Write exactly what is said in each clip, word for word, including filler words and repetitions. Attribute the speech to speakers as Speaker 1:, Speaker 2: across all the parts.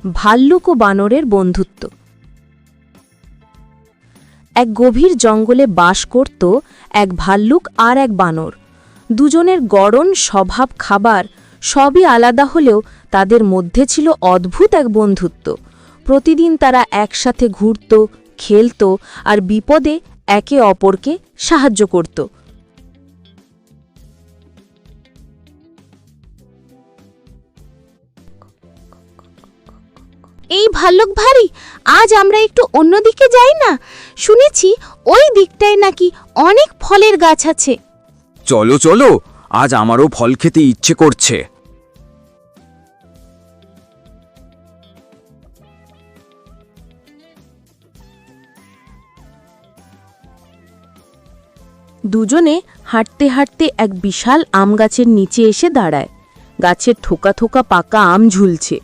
Speaker 1: ভাল্লুক ও বানরের বন্ধুত্ব। এক গভীর জঙ্গলে বাস করত এক ভাল্লুক আর এক বানর। দুজনের গড়ন, স্বভাব, খাবার সবই আলাদা হলেও তাদের মধ্যে ছিল অদ্ভুত এক বন্ধুত্ব। প্রতিদিন তারা একসাথে ঘুরত, খেলত আর বিপদে একে অপরকে সাহায্য করত।
Speaker 2: এই ভাল্লুক ভারী, আজ আমরা একটু অন্যদিকে যাই না? শুনেছি ওই দিকটায় নাকি অনেক ফলের গাছ আছে।
Speaker 3: চলো চলো, আজ আমারও ফল খেতে ইচ্ছে করছে।
Speaker 1: দুজনে হাঁটতে হাঁটতে এক বিশাল আম গাছের নিচে এসে দাঁড়ায়। গাছের থোকা থোকা পাকা আম ঝুলছে।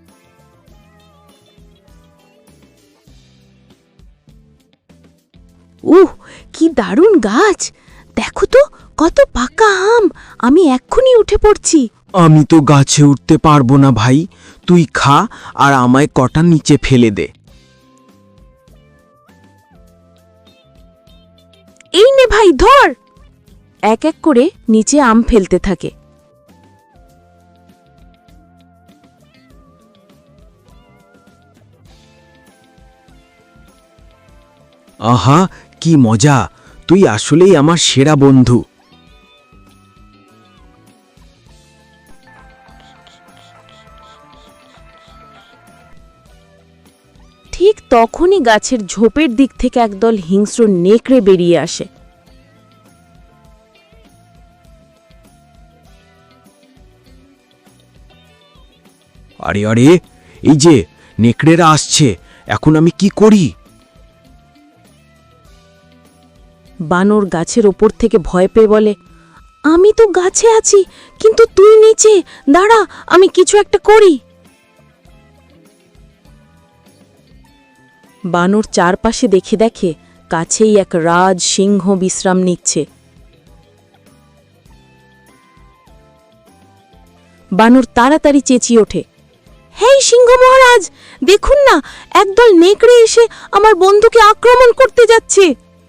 Speaker 1: উহ, কি দারুণ গাছ! দেখো তো কত পাকা আম! আমি এক্ষুনি উঠে পড়ছি।
Speaker 3: আমি তো গাছে উঠতে পারবো না ভাই, তুই খা আর আমায় কটা নিচে ফেলে দে।
Speaker 1: এই নে ভাই, ধর! এক এক করে নিচে আম ফেলতে থাকে।
Speaker 3: আহা, কি মজা! তুই আসলেই আমার সেরা বন্ধু।
Speaker 1: ঠিক তখনই গাছের ঝোপের দিক থেকে একদল হিংস্র নেকড়ে বেরিয়ে আসে।
Speaker 3: আরে আরে, এই যে নেকড়েরা আসছে, এখন আমি কি করি?
Speaker 1: বানর গাছের ওপর থেকে ভয় পেয়ে বলে, আমি তো গাছে আছি, কিন্তু তুই নিচে দাঁড়া, আমি কিছু একটা করি। বানর চারপাশে দেখে দেখে কাছেই এক রাজ সিংহ বিশ্রাম নিচ্ছে। বানর তাড়াতাড়ি চেঁচিয়ে ওঠে, হেই সিংহ মহারাজ, দেখুন না, একদল নেকড়ে এসে আমার বন্ধুকে আক্রমণ করতে যাচ্ছে।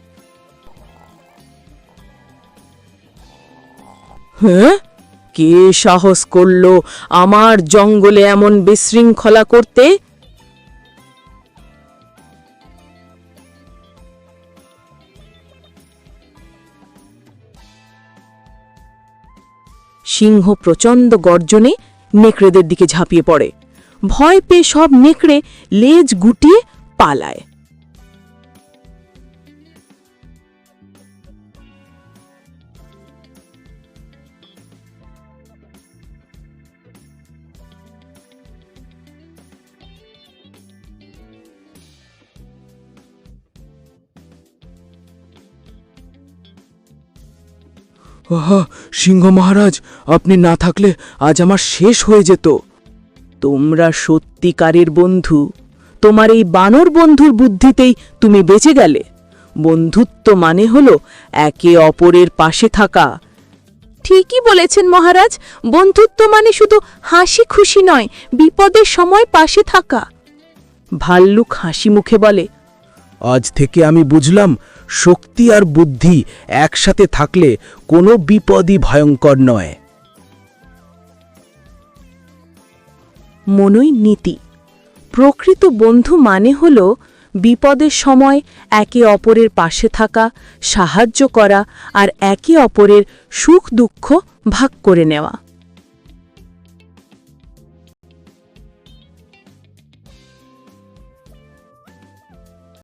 Speaker 1: হ্যাঁ, কে সাহস করল আমার জঙ্গলে এমন বিশৃঙ্খলা করতে? সিংহ প্রচণ্ড গর্জনে নেকড়েদের দিকে ঝাঁপিয়ে পড়ে। ভয় পেয়ে সব নেকড়ে লেজ গুটিয়ে পালায়।
Speaker 3: আহা, সিংহ মহারাজ, আপনি না থাকলে আজ আমার শেষ হয়ে যেত।
Speaker 1: তোমরা সত্যিকারের বন্ধু। তোমার এই বানর বন্ধুর বুদ্ধিতেই তুমি বেঁচে গেলে। বন্ধুত্ব মানে হলো একে অপরের পাশে থাকা। ঠিকই বলেছেন মহারাজ, বন্ধুত্ব মানে শুধু হাসি খুশি নয়, বিপদের সময় পাশে থাকা। ভাল্লুক হাসি মুখে বলে,
Speaker 3: আজ থেকে আমি বুঝলাম, শক্তি আর বুদ্ধি একসাথে থাকলে কোনো বিপদই ভয়ঙ্কর নয়।
Speaker 1: মনই নীতি। প্রকৃত বন্ধু মানে হল বিপদের সময় একে অপরের পাশে থাকা, সাহায্য করা আর একে অপরের সুখ দুঃখ ভাগ করে নেওয়া।